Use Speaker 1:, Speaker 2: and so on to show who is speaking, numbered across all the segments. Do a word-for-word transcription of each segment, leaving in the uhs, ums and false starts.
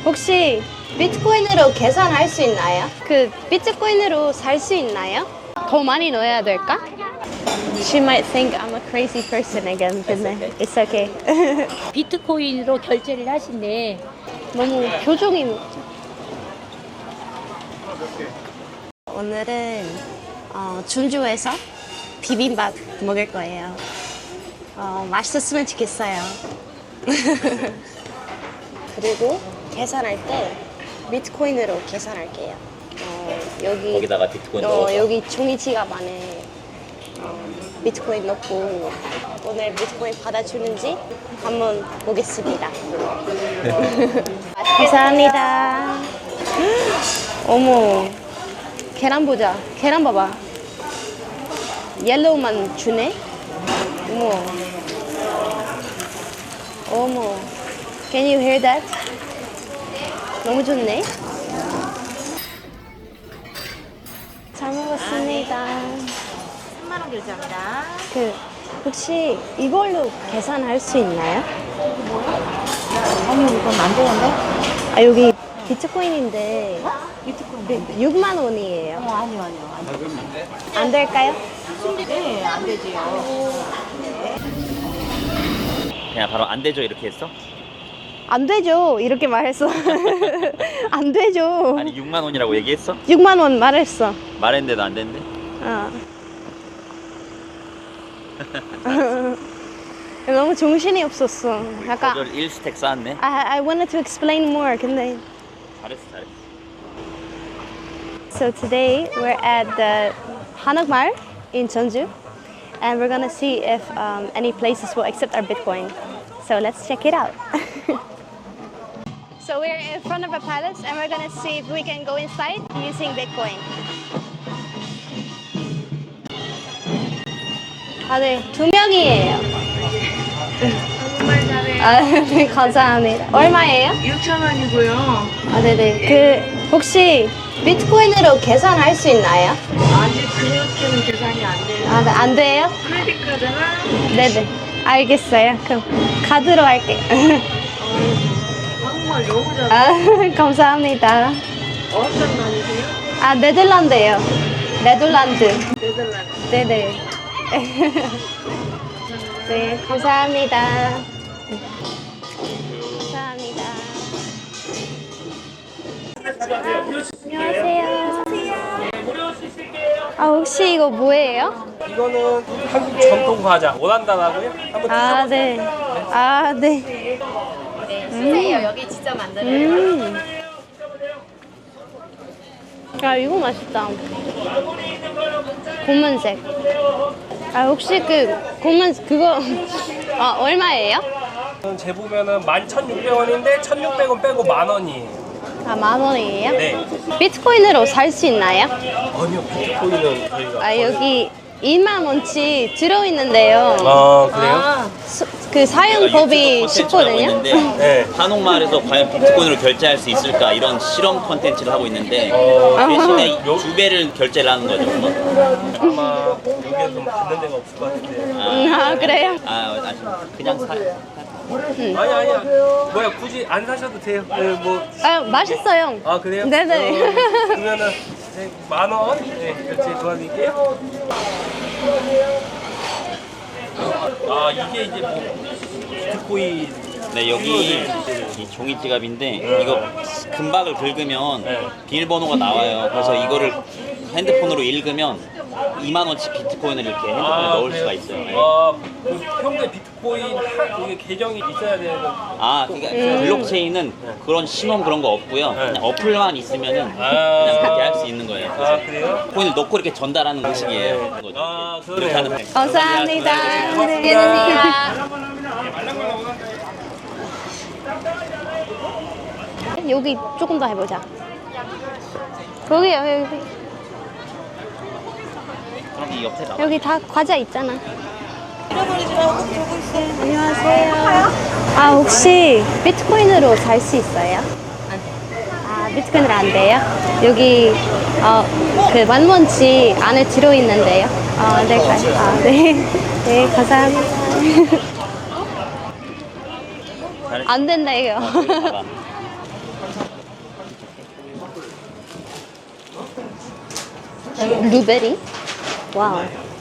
Speaker 1: 혹시 비트코인으로 계산할 수 있나요? 그 비트코인으로 살 수 있나요? 더 많이 넣어야 될까? She might think I'm a crazy person again, 근데 it's okay.
Speaker 2: 비트코인으로 결제를 하신대.
Speaker 1: 너무 표정이 오늘은 어, 준주에서 비빔밥 먹을 거예요. 어, 맛있었으면 좋겠어요. 그리고 계산할 때 비트코인으로 계산할게요. 어, 여기
Speaker 3: 거기다가 비트코인
Speaker 1: 어,
Speaker 3: 넣어서
Speaker 1: 여기 종이 지갑 안에 어, 비트코인 넣고 오늘 비트코인 받아주는지 한번 보겠습니다. 감사합니다. 어머, 계란 보자. 계란 봐봐. 옐로우만 주네. 어머, 어머. Can you hear that? 너무 좋네. 잘 먹었습니다.
Speaker 2: 삼만 원 결제합니다.
Speaker 1: 그 혹시 이걸로 계산할 수 있나요?
Speaker 2: 아니 이건 안 되는데?
Speaker 1: 아 여기 비트코인인데
Speaker 2: 비트코인.
Speaker 1: 육만 원이에요.
Speaker 2: 어 아니요 아니요. 아니요.
Speaker 1: 안 될까요?
Speaker 2: 네, 안 되지요.
Speaker 3: 그냥 바로 안 되죠 이렇게 했어?
Speaker 1: 안 되죠. 이렇게 말했어. 안 되죠.
Speaker 3: 아니 육만 원이라고 얘기했어?
Speaker 1: 육만 원 말했어.
Speaker 3: 말했는데도 안 된대?
Speaker 1: 어. 너무 정신이 없었어. 약간
Speaker 3: 거절 일 스택 쌓았네.
Speaker 1: I, I wanted to explain more. 근데
Speaker 3: 잘했어 잘했어.
Speaker 1: So today we're at the Hanokmar in Jeonju, and we're gonna see if um, any places will accept our Bitcoin. So let's check it out. So we're in front of a palace, and we're gonna see if we can go inside using Bitcoin. 아, 네, 두 명이에요.
Speaker 2: 정말 잘해.
Speaker 1: 아, 네, 감사합니다. 얼마예요?
Speaker 2: 육천 원이고요.
Speaker 1: 아, 네네. 그 혹시 비트코인으로 계산할 수 있나요?
Speaker 2: 아직 그렇게는 계산이 안 돼요.
Speaker 1: 아, 네, 안 돼요?
Speaker 2: 크레딧 카드나
Speaker 1: 네네. 알겠어요. 그럼 카드로 할게요.
Speaker 2: 정말 너무 잘해.
Speaker 1: 아, 감사합니다.
Speaker 2: 어떤 나라세요?
Speaker 1: 아, 네덜란드예요. 네덜란드.
Speaker 2: 네덜란드.
Speaker 1: 네네. 네, 감사합니다. 감사합니다. 안녕하세요. 아, 혹시 이거 뭐예요?
Speaker 4: 이거는 한국 전통 과자 오란다라고요? 한번
Speaker 1: 아,
Speaker 4: 드셔보세요.
Speaker 1: 네. 아, 네.
Speaker 2: 네, 주세요. 여기 진짜 만들어요.
Speaker 1: 음. 아, 이거 맛있다. 고문색. 아, 혹시 그 고문 그거 아, 얼마예요?
Speaker 4: 재보면은 만 천육백 원인데 천육백 원 빼고 만 원이에요.
Speaker 1: 아, 만 원이에요?
Speaker 4: 네.
Speaker 1: 비트코인으로 살 수 있나요?
Speaker 4: 아니요, 비트코인은 저희가.
Speaker 1: 아, 여기 이만 원치 들어있는데요.
Speaker 4: 아, 그래요?
Speaker 1: 아, 수- 그 사용법이 쉽거든요.
Speaker 4: 네.
Speaker 3: 한옥마을에서 과연 비트코인으로 결제할 수 있을까 이런 실험 컨텐츠를 하고 있는데
Speaker 4: 어,
Speaker 3: 대신에 두 배를 결제를 하는 거죠.
Speaker 4: 아마 여기에서 좀 듣는 데가 없을 것 같은데.
Speaker 1: 음, 아, 그래요?
Speaker 3: 아, 아니, 그냥 사.
Speaker 4: 아니, 아니야. 뭐야, 굳이 안 사셔도 돼요. 네, 뭐.
Speaker 1: 아, 맛있어요.
Speaker 4: 아, 그래요?
Speaker 1: 네네.
Speaker 4: 어, 그러면은 네, 만 원? 네, 결제 도와드릴게요. 아, 이게 이제 뭐 비트코인.
Speaker 3: 네, 여기 이 종이 지갑인데 이거 금박을 긁으면
Speaker 4: 네.
Speaker 3: 비밀번호가 나와요. 그래서 이거를 핸드폰으로 읽으면 이만 원치 비트코인을 이렇게 핸드폰에 넣을
Speaker 4: 그래요?
Speaker 3: 수가 있어요. 네.
Speaker 4: 아, 그 평소에 비트코인 하- 이게 계정이 있어야 되는.
Speaker 3: 아, 그러니까 블록체인은 그런 신원 그런 거 없고요.
Speaker 4: 네.
Speaker 3: 그냥 어플만 있으면은
Speaker 4: 아.
Speaker 3: 그냥 그렇게 할 수 있는 거예요.
Speaker 4: 아, 그래요?
Speaker 3: 코인을 넣고 이렇게 전달하는 방식이에요. 거죠.
Speaker 4: 아,
Speaker 3: 이렇게
Speaker 4: 그러네요.
Speaker 3: 하는 거예요.
Speaker 1: 감사합니다.
Speaker 4: 고맙습니다.
Speaker 1: 여기 조금 더 해보자. 거기요, 여기.
Speaker 3: 그럼 이 옆에 나와.
Speaker 1: 여기 다 과자 있잖아. 안녕하세요. 아, 혹시 비트코인으로 살 수 있어요? 아, 비트코인으로 안 돼요? 여기 어, 그 만원치 안에 들어있는데요. 아, 네, 가, 아, 네. 네, 감사합니다.
Speaker 3: 잘했어.
Speaker 1: 안 된다, 이거.
Speaker 3: 어, 저기 봐봐.
Speaker 1: 블루베리? 와우.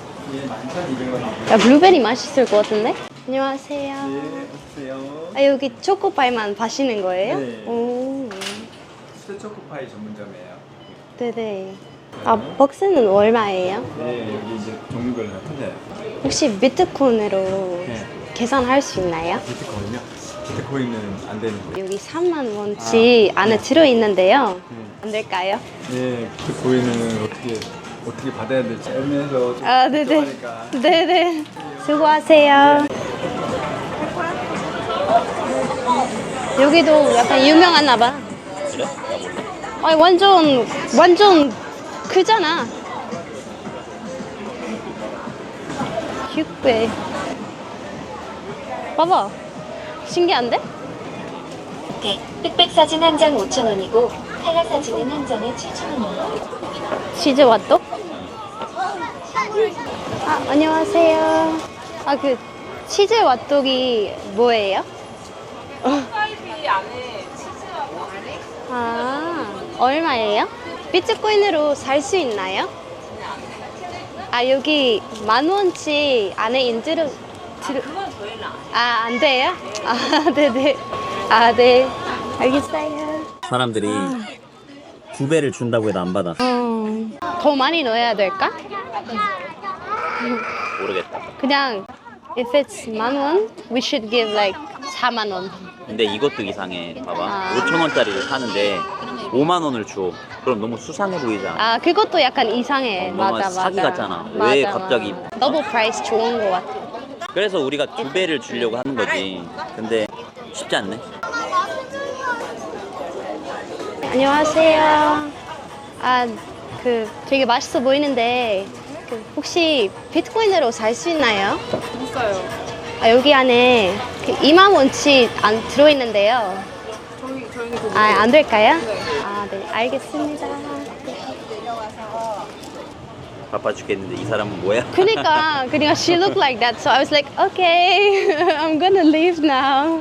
Speaker 1: 야, 블루베리 맛있을 것 같은데? 안녕하세요.
Speaker 5: 안녕하세요.
Speaker 1: 아, 여기 초코파이만 파시는 거예요?
Speaker 5: 네.
Speaker 1: 오.
Speaker 5: 수제 초코파이 전문점이에요.
Speaker 1: 네네. 아, 박스는 얼마예요?
Speaker 5: 네, 여기 이제 종류별로 다 틀려요.
Speaker 1: 혹시 비트코인으로
Speaker 5: 네.
Speaker 1: 계산할 수 있나요?
Speaker 5: 비트코인요? 비트코인은 안 되는데.
Speaker 1: 여기 삼만 원치 안에 들어있는데요. 안 될까요?
Speaker 5: 네, 비트코인은 어떻게 어떻게 받아야 될지 애매해서 좀
Speaker 1: 아, 네네.
Speaker 5: 걱정하니까.
Speaker 1: 네네. 수고하세요. 여기도 약간 유명하나 봐.
Speaker 3: 그래? 나 몰라.
Speaker 1: 아니, 완전, 완전 크잖아. 육 배. 봐봐. 신기한데?
Speaker 6: 네, 흑백 사진 한 장 오천 원이고 칼라 사진은 한 장에 칠천 원입니다.
Speaker 1: 치즈 왓도? 아, 안녕하세요. 아, 그 치즈 왓독이 뭐예요?
Speaker 2: 스카이비 안에 치즈하고 안에
Speaker 1: 아, 얼마예요? 비트코인으로 살 수 있나요? 아, 여기 만 원치 안에 인트로 들어.
Speaker 2: 그건 저희는 안
Speaker 1: 아, 안 돼요? 아, 네네. 아, 네. 알겠어요.
Speaker 3: 사람들이 두 배를 준다고 해도 안 받아.
Speaker 1: 어, 더 많이 넣어야 될까?
Speaker 3: 모르겠다.
Speaker 1: 그냥 if it's 만 원, we should give like 사만 원.
Speaker 3: 근데 이것도 이상해. 봐봐.
Speaker 1: 아.
Speaker 3: 오천 원짜리를 사는데 오만 원을 줘. 그럼 너무 수상해 보이지 않아?
Speaker 1: 아, 그것도 약간 이상해.
Speaker 3: 어,
Speaker 1: 맞아,
Speaker 3: 너무
Speaker 1: 맞아.
Speaker 3: 사기 같잖아. 왜
Speaker 1: 맞아,
Speaker 3: 갑자기-
Speaker 1: 맞아. 더블 프라이스 좋은 것 같아.
Speaker 3: 그래서 우리가 두 배를 주려고 하는 거지. 근데 쉽지 않네.
Speaker 1: 안녕하세요. 아, 그 되게 맛있어 보이는데 그 혹시 비트코인으로 살 수 있나요?
Speaker 2: 있어요.
Speaker 1: 아, 여기 안에 그 이만 원치 안 들어있는데요.
Speaker 2: 저희 저희는 그거
Speaker 1: 아, 안 될까요?
Speaker 2: 네.
Speaker 1: 아, 네, 알겠습니다.
Speaker 3: 바빠 죽겠는데 이 사람은 뭐야?
Speaker 1: 그니까, 그니까 she looked like that, so I was like, okay, I'm gonna leave now.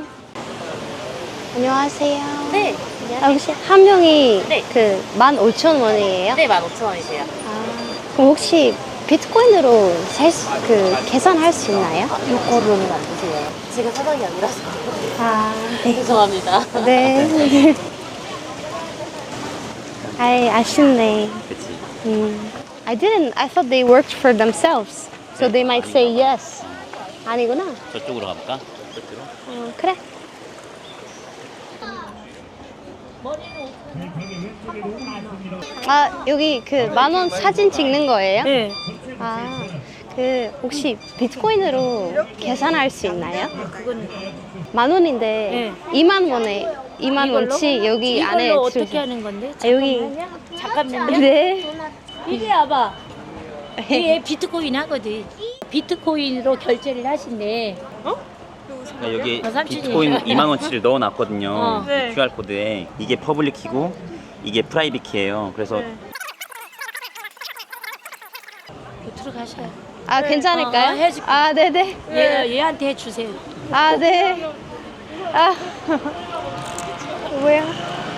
Speaker 1: 안녕하세요.
Speaker 7: 네.
Speaker 1: 아, 혹시 한 명이
Speaker 7: 네.
Speaker 1: 그 만 오천 원이에요?
Speaker 7: 네, 만 오천 원이세요.
Speaker 1: 아, 그럼 혹시 비트코인으로 살 수, 그 계산할 수 있나요?
Speaker 7: 요거로는 안 되세요. 제가 사장이 아니라서.
Speaker 1: 아, 네.
Speaker 7: 죄송합니다.
Speaker 1: 네. 아이, 아쉽네.
Speaker 3: 그치.
Speaker 1: 음. I didn't. I thought they worked for themselves. So they might say yes. 아니구나.
Speaker 3: 저쪽으로 가볼까? 저쪽으로?
Speaker 1: 어, 그래. 아, 여기 그 만 원 사진 찍는 거예요?
Speaker 7: 네.
Speaker 1: 아, 그 혹시 비트코인으로 계산할 수 있나요?
Speaker 7: 그건
Speaker 1: 만 원인데 이만 원에 이만 원치 여기 안에
Speaker 7: 이걸로
Speaker 1: 들-
Speaker 7: 어떻게 하는 건데?
Speaker 1: 아, 여기
Speaker 7: 잠깐만요.
Speaker 1: 네.
Speaker 7: 이리 와봐. 이게 비트코인 하거든. 비트코인으로 결제를 하신대.
Speaker 3: 그러니까 여기
Speaker 7: 어, 삼촌이.
Speaker 3: 비트코인 이만 원치를 넣어놨거든요.
Speaker 7: 어.
Speaker 3: 이 큐알 코드에 이게 퍼블릭 키고 이게 프라이빗 키예요. 그래서
Speaker 7: 들어가셔요.
Speaker 1: 아, 괜찮을까요?
Speaker 7: 어, 어, 해줄게.
Speaker 1: 아, 네네.
Speaker 7: 얘, 얘한테 해주세요.
Speaker 1: 아, 네. 아, 뭐야?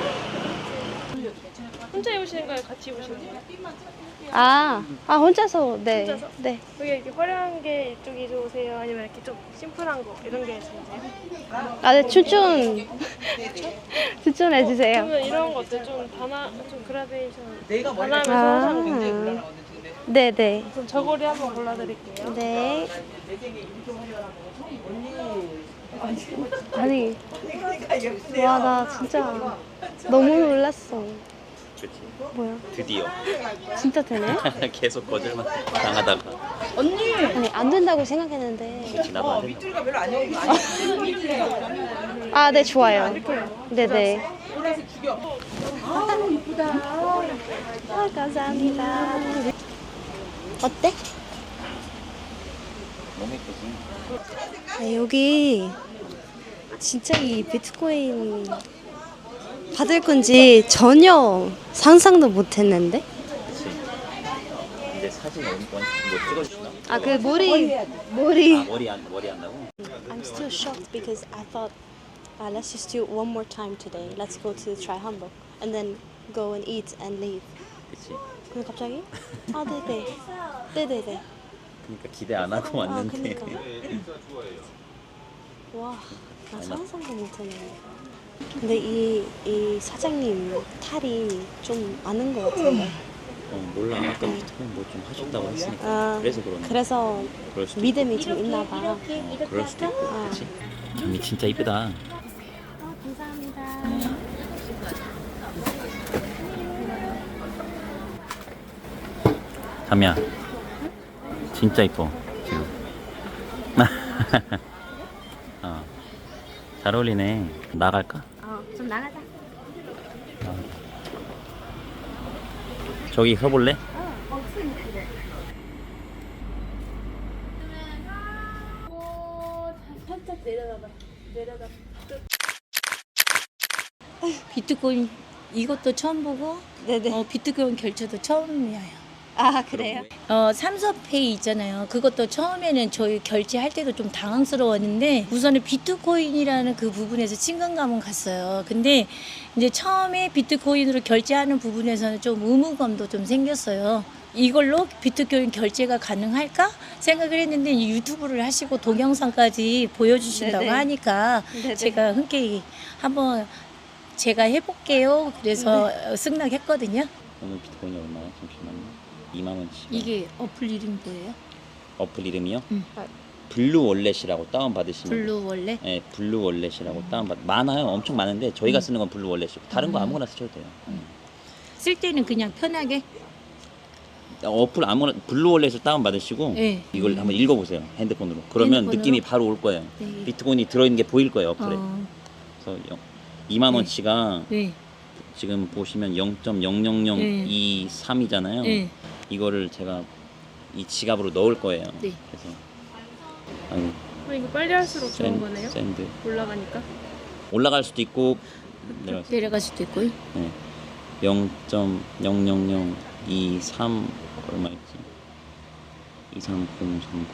Speaker 2: 혼자 오시는 거예요? 같이 오시는 거예요?
Speaker 1: 아, 아 혼자서 네,
Speaker 2: 혼자서?
Speaker 1: 네.
Speaker 2: 여기 이렇게 화려한 게 이쪽이 좋으세요? 아니면 이렇게 좀 심플한 거 이런 게 좋으세요?
Speaker 1: 아, 네, 추천 추천해 주세요.
Speaker 2: 그러면 이런 것들 좀 단아 좀 그라데이션 단아하면서 하는 거.
Speaker 1: 아, 네, 네,
Speaker 2: 그럼 저고리 한번 골라드릴게요.
Speaker 1: 네. 아니, 와, 나 진짜 너무 놀랐어.
Speaker 3: 그치.
Speaker 1: 뭐야?
Speaker 3: 드디어
Speaker 1: 진짜 되네?
Speaker 3: 계속 거절만 당하다가
Speaker 1: 아니, 안 된다고 생각했는데.
Speaker 3: 그치 나도 안 된다.
Speaker 1: 아, 네, 좋아요. 네, 네. 아, 감사합니다. 어때?
Speaker 3: 너무 예쁘지?
Speaker 1: 아, 여기 진짜 이 비트코인 받을 건지 전혀 상상도 못 했는데?
Speaker 3: 그치. 근데 사진 어디 뭐 찍어주시나?
Speaker 1: 아, 그 머리, 머리.
Speaker 3: 아 머리 안 머리 한다고?
Speaker 1: I'm still shocked because I thought, uh, let's just do it one more time today. Let's go to Try Hamburg and then go and eat and leave.
Speaker 3: 그치?
Speaker 2: 근데 갑자기? 아 네네. 네네네.
Speaker 3: 그러니까 기대 안 하고
Speaker 2: 아
Speaker 3: 왔는데.
Speaker 2: 그니까. 와, 나 상상도 못하네. 근데 이, 이 사장님 탈이 좀 많은 것 같은데.
Speaker 3: 어 몰라. 아까 비트코인 뭐 좀 하셨다고 했으니까.
Speaker 2: 아,
Speaker 3: 그래서 그러네.
Speaker 2: 그래서
Speaker 3: 그럴 수도
Speaker 2: 믿음이 좀 있나 봐.
Speaker 3: 어, 그럴 수도 있고.
Speaker 2: 아.
Speaker 3: 그치? 점이 진짜 이쁘다. 담이야, 진짜 이뻐 지금. 어, 잘 어울리네. 나갈까?
Speaker 1: 어, 좀 나가자.
Speaker 3: 저기 서볼래?
Speaker 7: 비트코인 이것도 처음 보고
Speaker 2: 네네.
Speaker 7: 어, 비트코인 결제도 처음이에요.
Speaker 2: 아 그래요?
Speaker 7: 어, 삼성페이 있잖아요. 그것도 처음에는 저희 결제할 때도 좀 당황스러웠는데 우선은 비트코인이라는 그 부분에서 친근감은 갔어요. 근데 이제 처음에 비트코인으로 결제하는 부분에서는 좀 의무감도 좀 생겼어요. 이걸로 비트코인 결제가 가능할까 생각을 했는데 이 유튜브를 하시고 동영상까지 보여주신다고
Speaker 2: 네네.
Speaker 7: 하니까
Speaker 2: 네네.
Speaker 7: 제가 흔쾌히 한번 제가 해볼게요. 그래서
Speaker 2: 네.
Speaker 7: 승낙했거든요.
Speaker 3: 오늘 비트코인이 얼마야? 잠시만요. 이만 원치.
Speaker 7: 이게 어플 이름이 뭐예요?
Speaker 3: 어플 이름이요?
Speaker 7: 응.
Speaker 3: 블루 월렛이라고 다운 받으시면.
Speaker 7: 블루 원래?
Speaker 3: 네, 블루 월렛이라고 다운 받. 많아요. 엄청 많은데 저희가
Speaker 7: 음.
Speaker 3: 쓰는 건 블루 월렛이고 다른 거
Speaker 7: 음.
Speaker 3: 아무거나 쓰셔도 돼요.
Speaker 7: 쓸 때는 그냥 편하게.
Speaker 3: 어플 아무나 블루 월렛을 다운 받으시고
Speaker 7: 네.
Speaker 3: 이걸 한번 읽어보세요. 핸드폰으로. 그러면
Speaker 7: 핸드폰으로?
Speaker 3: 느낌이 바로 올 거예요.
Speaker 7: 네.
Speaker 3: 비트코인이 들어있는 게 보일 거예요. 어플에.
Speaker 7: 어,
Speaker 3: 그래서 이만 원치가
Speaker 7: 네.
Speaker 3: 지금 보시면 영 점 영영영이삼이잖아요.
Speaker 7: 네.
Speaker 3: 이거를 제가 이 지갑으로 넣을 거예요.
Speaker 7: 네.
Speaker 3: 그래서 아유,
Speaker 2: 어, 이거 빨리 할수록 좋은
Speaker 3: 샌-
Speaker 2: 거네요?
Speaker 3: 샌드
Speaker 2: 올라가니까.
Speaker 3: 올라갈 수도 있고 내려갈 수도
Speaker 7: 내려갈 수도 있고요.
Speaker 3: 네. 영 점 영영영이삼 얼마 있지? 이삼공삼공.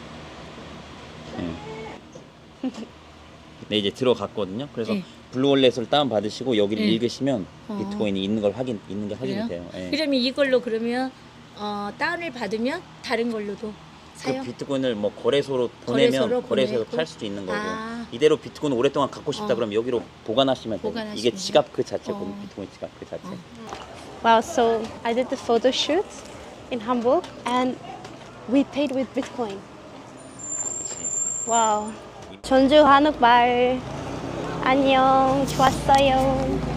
Speaker 3: 네. 네, 이제 들어갔거든요. 그래서
Speaker 7: 네.
Speaker 3: 블루월렛을 다운 받으시고 여기를
Speaker 7: 네.
Speaker 3: 읽으시면
Speaker 7: 어.
Speaker 3: 비트코인이 있는 걸 확인 있는 게 확인이
Speaker 7: 그래요?
Speaker 3: 돼요. 예.
Speaker 7: 그러면 이걸로 그러면 어, 다운을 받으면 다른 걸로도 사요?
Speaker 3: 그 비트코인을 뭐 거래소로 보내면
Speaker 7: 거래소로
Speaker 3: 거래소에서
Speaker 7: 보내고?
Speaker 3: 팔 수도 있는 거고
Speaker 7: 아.
Speaker 3: 이대로 비트코인 오랫동안 갖고 싶다
Speaker 7: 어.
Speaker 3: 그러면 여기로 보관하시면 돼요.
Speaker 7: 보관하시면
Speaker 3: 이게 지갑 그 자체거든요.
Speaker 7: 어.
Speaker 3: 비트코인 지갑 그 자체.
Speaker 7: 어.
Speaker 2: Wow, so I did the photo shoot in Hamburg and we paid with Bitcoin. Wow. 전주 한옥마을 안녕. 좋았어요.